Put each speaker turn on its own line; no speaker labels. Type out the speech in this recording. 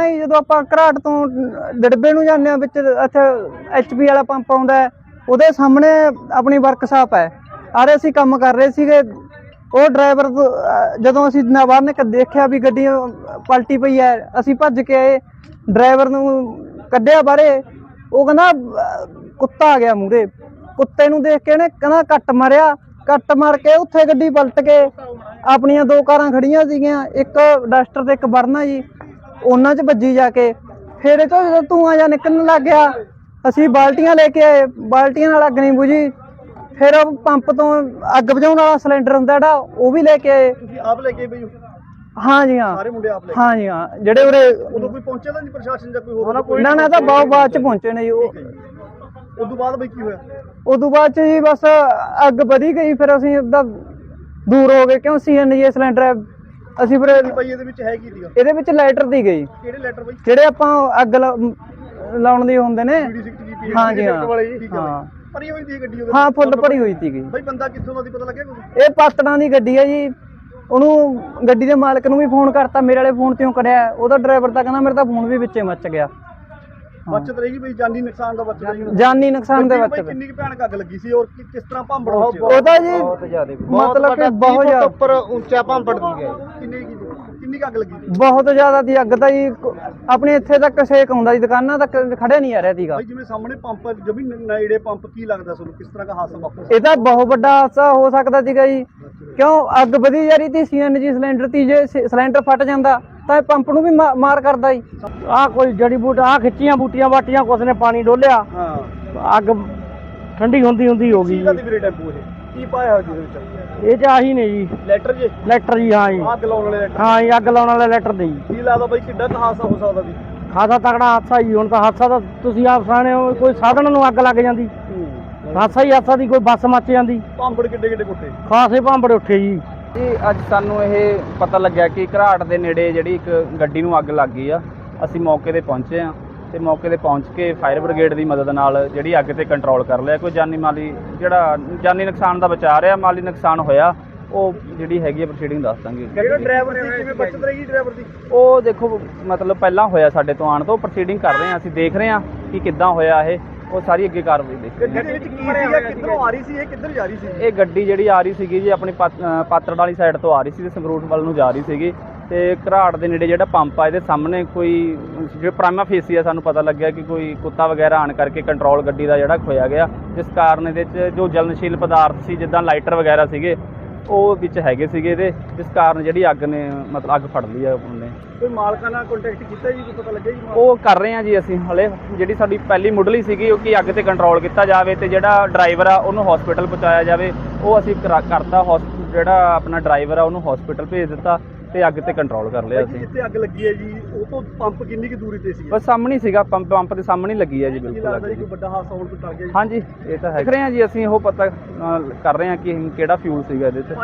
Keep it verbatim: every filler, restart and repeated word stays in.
ਪਹਿਲਾਂ ਹੀ ਜਦੋਂ ਆਪਾਂ ਘਰਾਟ ਤੋਂ ਡਿੜਬੇ ਨੂੰ ਜਾਂਦੇ ਹਾਂ ਵਿੱਚ ਇੱਥੇ ਐਚ ਪੀ ਵਾਲਾ ਪੰਪ ਆਉਂਦਾ ਹੈ, ਉਹਦੇ ਸਾਹਮਣੇ ਆਪਣੀ ਵਰਕਸ਼ਾਪ ਹੈ। ਆਰੇ ਅਸੀਂ ਕੰਮ ਕਰ ਰਹੇ ਸੀਗੇ, ਉਹ ਡਰਾਈਵਰ ਜਦੋਂ ਅਸੀਂ ਨਾ ਬਾਹਰ ਨਿਕਲ ਦੇਖਿਆ ਵੀ ਗੱਡੀ ਪਲਟੀ ਪਈ ਹੈ, ਅਸੀਂ ਭੱਜ ਕੇ ਆਏ, ਡਰਾਈਵਰ ਨੂੰ ਕੱਢਿਆ ਬਾਹਰੇ। ਉਹ ਕਹਿੰਦਾ ਕੁੱਤਾ ਆ ਗਿਆ ਮੂਹਰੇ, ਕੁੱਤੇ ਨੂੰ ਦੇਖ ਕੇ ਇਹਨੇ ਕਹਿੰਦਾ ਕੱਟ ਮਾਰਿਆ, ਕੱਟ ਮਾਰ ਕੇ ਉੱਥੇ ਗੱਡੀ ਪਲਟ ਕੇ ਆਪਣੀਆਂ ਦੋ ਕਾਰਾਂ ਖੜੀਆਂ ਸੀਗੀਆਂ, ਇੱਕ ਡਸਟਰ ਤੇ ਇੱਕ ਵਰਨਾ ਜੀ, ਉਹਨਾਂ 'ਚ ਵੱਜੀ ਜਾ ਕੇ। ਫਿਰ ਇਹ ਤੋਂ ਜਦੋਂ ਧੂੰਆਂ ਜਿਹਾ ਨਿਕਲਣ ਲੱਗ ਗਿਆ, ਅਸੀਂ ਬਾਲਟੀਆਂ ਲੈ ਕੇ ਆਏ, ਬਾਲਟੀਆਂ ਨਾਲ ਅੱਗ ਨਹੀਂ ਬੁਝੀ। ਫਿਰ ਉਹ ਪੰਪ ਤੋਂ ਅੱਗ ਬੁਝਾਉਣ ਵਾਲਾ ਸਿਲੰਡਰ ਹੁੰਦਾ ਜਿਹੜਾ, ਉਹ ਵੀ ਲੈ ਕੇ ਆਏ।
ਤੁਸੀਂ ਆਪ ਲੈ ਕੇ ਬਈ?
ਹਾਂ ਜੀ ਹਾਂ,
ਸਾਰੇ ਮੁੰਡੇ ਆਪ ਲੈ?
ਹਾਂ ਜੀ ਹਾਂ। ਜਿਹੜੇ ਉਰੇ
ਉਦੋਂ ਕੋਈ ਪਹੁੰਚਿਆ ਤਾਂ ਨਹੀਂ ਪ੍ਰਸ਼ਾਸਨ ਜਾਂ ਕੋਈ ਹੋਰ?
ਨਾ ਨਾ, ਤਾਂ ਬਹੁਤ ਬਾਅਦ 'ਚ ਪਹੁੰਚੇ ਨੇ ਜੀ। ਉਹ
ਉਦੋਂ ਬਾਅਦ ਬਈ ਕੀ ਹੋਇਆ?
ਉਦੋਂ ਬਾਅਦ 'ਚ ਜੀ ਬਸ ਅੱਗ ਵਧੀ ਗਈ, ਫਿਰ ਅਸੀਂ ਉਹਦਾ ਦੂਰ ਹੋ ਗਏ, ਕਿਉਂ ਸੀ ਐਨ ਜੀ ਸਿਲੰਡਰ ਅਸੀਂ ਫਿਰ
ਬਈ ਇਹਦੇ ਵਿੱਚ ਹੈ ਕੀ ਸੀਗਾ?
ਇਹਦੇ ਵਿੱਚ ਲਾਈਟਰ ਦੀ ਗਈ।
ਕਿਹੜੇ ਲੈਟਰ ਬਈ?
ਜਿਹੜੇ ਆਪਾਂ ਅੱਗ ਲਾਉਣ ਦੇ ਹੁੰਦੇ ਨੇ। ਹਾਂ ਜੀ ਹਾਂ, ਹਾਂ
ਭਰੀ ਹੋਈ ਸੀ ਗੱਡੀ?
ਹਾਂ ਫੁੱਲ ਭਰੀ ਹੋਈ ਸੀਗੀ।
ਬਈ ਬੰਦਾ ਕਿੱਥੋਂ ਦਾ ਸੀ ਪਤਾ ਲੱਗਿਆ ਕੁਝ?
ਇਹ ਪਾਤੜਾਂ ਦੀ ਗੱਡੀ ਹੈ ਜੀ। ਉਹਨੂੰ ਗੱਡੀ ਦੇ ਮਾਲਕ ਨੂੰ ਵੀ ਫੋਨ ਕਰਤਾ, ਮੇਰੇ ਵਾਲੇ ਫੋਨ ਤੇ ਕਰਿਆ, ਉਹਦਾ ਡਰਾਈਵਰ ਤਾਂ ਕਹਿੰਦਾ ਮੇਰਾ ਤਾਂ ਫੋਨ ਵੀ ਵਿੱਚੇ ਮੱਚ ਗਿਆ।
ਬਚਤ ਰਹੀ ਬਈ, ਜਾਨੀ ਨੁਕਸਾਨ ਦਾ ਬਚਤ ਰਹੀ?
ਜਾਨੀ ਨੁਕਸਾਨ ਦੇ ਵਿੱਚ
ਕਿੰਨੀ ਕੁ ਭਿਆਨਕ ਅੱਗ ਲੱਗੀ ਸੀ ਔਰ ਕਿਸ ਤਰ੍ਹਾਂ ਭਾਂਬੜ?
ਉਹਦਾ ਜੀ ਮਤਲਬ ਕਿ ਬਹੁਤ ਜ਼ਿਆਦਾ
ਉੱਪਰ ਉੱਚਾ ਭਾਂਬੜ ਦੀ ਗਿਆ। ਕਿੰਨੀ ਕਿੰਨੀ ਕੁ ਅੱਗ ਲੱਗੀ ਸੀ?
ਬਹੁਤ ਜ਼ਿਆਦਾ ਦੀ ਅੱਗ ਤਾਂ ਜੀ, ਆਪਣੇ ਇੱਥੇ ਤੱਕ ਸੇਕ ਆਉਂਦਾ ਜੀ, ਦੁਕਾਨਾਂ ਤੱਕ ਖੜਿਆ ਨਹੀਂ ਆ ਰਿਹਾ ਸੀਗਾ।
ਬਈ ਜਿਵੇਂ ਸਾਹਮਣੇ ਪੰਪ ਜਮੀ ਨੇੜੇ ਪੰਪ, ਕੀ ਲੱਗਦਾ ਤੁਹਾਨੂੰ ਕਿਸ ਤਰ੍ਹਾਂ ਦਾ ਹਾਦਸਾ ਵਾਪਰਿਆ?
ਇਹ ਤਾਂ ਬਹੁਤ ਵੱਡਾ ਹਾਦਸਾ ਹੋ ਸਕਦਾ ਸੀਗਾ ਜੀ, ਕਿਉਂ ਅੱਗ ਵਧੀ ਜਾ ਰਹੀ ਸੀ ਸੀ ਐਨ ਜੀ ਸਿਲੰਡਰ ਤੀ। ਜੇ ਸਿਲੰਡਰ ਫਟ ਜਾਂਦਾ ਤਾਂ ਪੰਪ ਨੂੰ ਵੀ ਮਾਰ ਕਰਦਾ ਜੀ।
ਆਹ ਕੋਈ ਜੜੀ ਬੂਟ ਆਹ ਖਿੱਚੀਆਂ ਬੂਟੀਆਂ ਬਾਟੀਆਂ, ਕੁਛ ਨੇ ਪਾਣੀ ਡੋਲਿਆ,
ਹਾਂ
ਅੱਗ ਠੰਡੀ ਹੁੰਦੀ ਹੁੰਦੀ ਹੋ ਗਈ।
ਵੀਰੇ ਟੈਂਪੂ ਇਹ ਕੀ ਪਾਇਆ ਜਿਹਦੇ ਵਿੱਚ?
ਇਹ ਚ ਆਹੀ ਨੇ ਜੀ
ਲੈਟਰ ਜੀ?
ਲੈਟਰ ਜੀ, ਹਾਂ ਜੀ
ਅੱਗ ਲਾਉਣ ਵਾਲੇ ਲੈਟਰ?
ਹਾਂ ਜੀ, ਅੱਗ ਲਾਉਣ ਵਾਲੇ ਲੈਟਰ ਦੇ ਜੀ।
ਕੀ ਲੱਗਦਾ ਬਈ ਕਿੱਡਾ ਕੁ ਹਾਦਸਾ ਹੋ ਸਕਦਾ ਸੀ?
ਖਾਸਾ ਤਕੜਾ ਹਾਦਸਾ ਜੀ। ਹੁਣ ਤਾਂ ਹਾਦਸਾ ਤਾਂ ਤੁਸੀਂ ਆਪ ਸਾਹਣੇ ਹੋ, ਕੋਈ ਸਾਧਨ ਨੂੰ ਅੱਗ ਲੱਗ ਜਾਂਦੀ, ਹਾਦਸਾ ਹੀ ਹਾਦਸਾ ਦੀ, ਕੋਈ ਬੱਸ ਮੱਚ ਜਾਂਦੀ।
ਭਾਂਬੜ ਕਿੱਡੇ ਕਿੱਡੇ ਕੁੱਟੇ?
ਖਾਸੇ ਭਾਂਬੜ ਉੱਠੇ ਜੀ।
ਜੀ ਅੱਜ ਸਾਨੂੰ ਇਹ ਪਤਾ ਲੱਗਿਆ ਕਿ ਘਰਾਟ ਦੇ ਨੇੜੇ ਜਿਹੜੀ ਇੱਕ ਗੱਡੀ ਨੂੰ ਅੱਗ ਲੱਗ ਗਈ ਆ। ਅਸੀਂ ਮੌਕੇ ਤੇ ਪਹੁੰਚੇ ਆ ਤੇ ਮੌਕੇ ਤੇ ਪਹੁੰਚ ਕੇ ਫਾਇਰ ਬ੍ਰਿਗੇਡ ਦੀ ਮਦਦ ਨਾਲ ਜਿਹੜੀ ਅੱਗ ਤੇ ਕੰਟਰੋਲ ਕਰ ਲਿਆ। ਕੋਈ ਜਾਨੀ ਮਾਲੀ ਜਿਹੜਾ ਜਾਨੀ ਨੁਕਸਾਨ ਦਾ ਬਚਾ ਰਿਹਾ, ਮਾਲੀ ਨੁਕਸਾਨ ਹੋਇਆ ਉਹ ਜਿਹੜੀ ਹੈਗੀ ਆ ਪ੍ਰੋਸੀਡਿੰਗ ਦੱਸ ਦਾਂਗੇ।
ਜਿਹੜਾ ਡਰਾਈਵਰ ਸੀ ਕਿਵੇਂ ਬਚਤ ਰਹੀ ਡਰਾਈਵਰ ਦੀ?
ਉਹ ਦੇਖੋ ਮਤਲਬ ਪਹਿਲਾਂ ਹੋਇਆ ਸਾਡੇ ਤੋਂ ਆਉਣ ਤੋਂ, ਪ੍ਰੋਸੀਡਿੰਗ ਕਰ ਰਹੇ ਆ, ਅਸੀਂ ਦੇਖ ਰਹੇ ਆ ਕਿ ਕਿੱਦਾਂ ਹੋਇਆ ਇਹ, ਉਹ ਸਾਰੀ ਅੱਗੇ ਕਾਰਵਾਈ ਦੇਖ ਰਹੇ।
ਗੱਡੀ ਵਿੱਚ ਕੀ ਸੀਗਾ, ਕਿੱਧਰੋਂ ਆ ਰਹੀ ਸੀ ਇਹ, ਕਿੱਧਰ ਜਾ ਰਹੀ ਸੀ?
ਇਹ ਗੱਡੀ ਜਿਹੜੀ ਆ ਰਹੀ ਸੀਗੀ ਜੀ ਆਪਣੀ ਪਾਤੜ ਵਾਲੀ ਸਾਈਡ ਤੋਂ ਆ ਰਹੀ ਸੀ ਤੇ ਸੰਗਰੂਰ ਵੱਲ ਨੂੰ ਜਾ ਰਹੀ ਸੀਗੀ। ਤੇ ਘਰਾਟ ਦੇ ਨੇੜੇ ਜਿਹੜਾ ਪੰਪ ਆ ਇਹਦੇ ਸਾਹਮਣੇ ਕੋਈ ਜਿਹੜਾ ਪ੍ਰਾਈਮਾ ਫੇਸੀ ਆ, ਸਾਨੂੰ ਪਤਾ ਲੱਗਿਆ ਕਿ ਕੋਈ ਕੁੱਤਾ ਵਗੈਰਾ ਆਣ ਕਰਕੇ ਕੰਟਰੋਲ ਗੱਡੀ ਦਾ ਜਿਹੜਾ ਖੋਇਆ ਗਿਆ, ਜਿਸ ਕਾਰਨ ਇਹਦੇ 'ਚ ਜੋ ਜਲਨਸ਼ੀਲ ਪਦਾਰਥ ਸੀ ਜਿੱਦਾਂ ਲਾਈਟਰ ਵਗੈਰਾ ਸੀਗੇ ਉਹ ਵਿੱਚ ਹੈਗੇ ਸੀਗੇ ਇਹਦੇ, ਜਿਸ ਕਾਰਨ ਜਿਹੜੀ ਅੱਗ ਨੇ ਮਤਲਬ ਅੱਗ ਫੜ ਲਈ ਆ ਉਹਨੇ।
ਕੋਈ ਮਾਲਕਾਂ ਨਾਲ ਕੰਟੈਕਟ ਕੀਤਾ ਜੀ, ਕੋਈ ਪਤਾ ਲੱਗਿਆ ਜੀ?
ਉਹ ਕਰ ਰਹੇ ਆ ਜੀ ਅਸੀਂ ਹਲੇ। ਜਿਹੜੀ ਸਾਡੀ ਪਹਿਲੀ ਮੁੱਢਲੀ ਸੀਗੀ ਉਹ ਕਿ ਅੱਗ ਤੇ ਕੰਟਰੋਲ ਕੀਤਾ ਜਾਵੇ ਤੇ ਜਿਹੜਾ ਡਰਾਈਵਰ ਆ ਉਹਨੂੰ ਹਸਪੀਟਲ ਪਹੁੰਚਾਇਆ ਜਾਵੇ, ਉਹ ਅਸੀਂ ਕਰਤਾ। ਜਿਹੜਾ ਆਪਣਾ ਡਰਾਈਵਰ ਆ ਉਹਨੂੰ ਹਸਪੀਟਲ ਭੇਜ ਦਿੱਤਾ ਤੇ ਅੱਗ ਤੇ ਕੰਟਰੋਲ ਕਰ ਲਿਆ ਅਸੀਂ।
ਜਿੱਥੇ ਅੱਗ ਲੱਗੀ ਹੈ ਜੀ ਉਹ ਤੋਂ ਪੰਪ ਕਿੰਨੀ ਕੁ ਦੂਰੀ ਤੇ ਸੀ?
ਬਸ ਸਾਹਮਣੇ ਸੀਗਾ ਪੰਪ, ਪੰਪ ਦੇ ਸਾਹਮਣੇ ਲੱਗੀ ਹੈ ਜੀ। ਬਿਲਕੁਲ
ਕੋਈ ਵੱਡਾ ਹਾਦਸਾ ਹੋਣ ਤੋਂ ਟਲ ਗਿਆ ਜੀ?
ਹਾਂਜੀ ਇਹ ਤਾਂ ਹੈ। ਦੇਖ ਰਹੇ ਹਾਂ ਜੀ ਅਸੀਂ ਉਹ ਪਤਾ ਕਰ ਰਹੇ ਹਾਂ ਕਿ ਕਿਹੜਾ ਫਿਊਲ ਸੀਗਾ ਇਹਦੇ 'ਚ।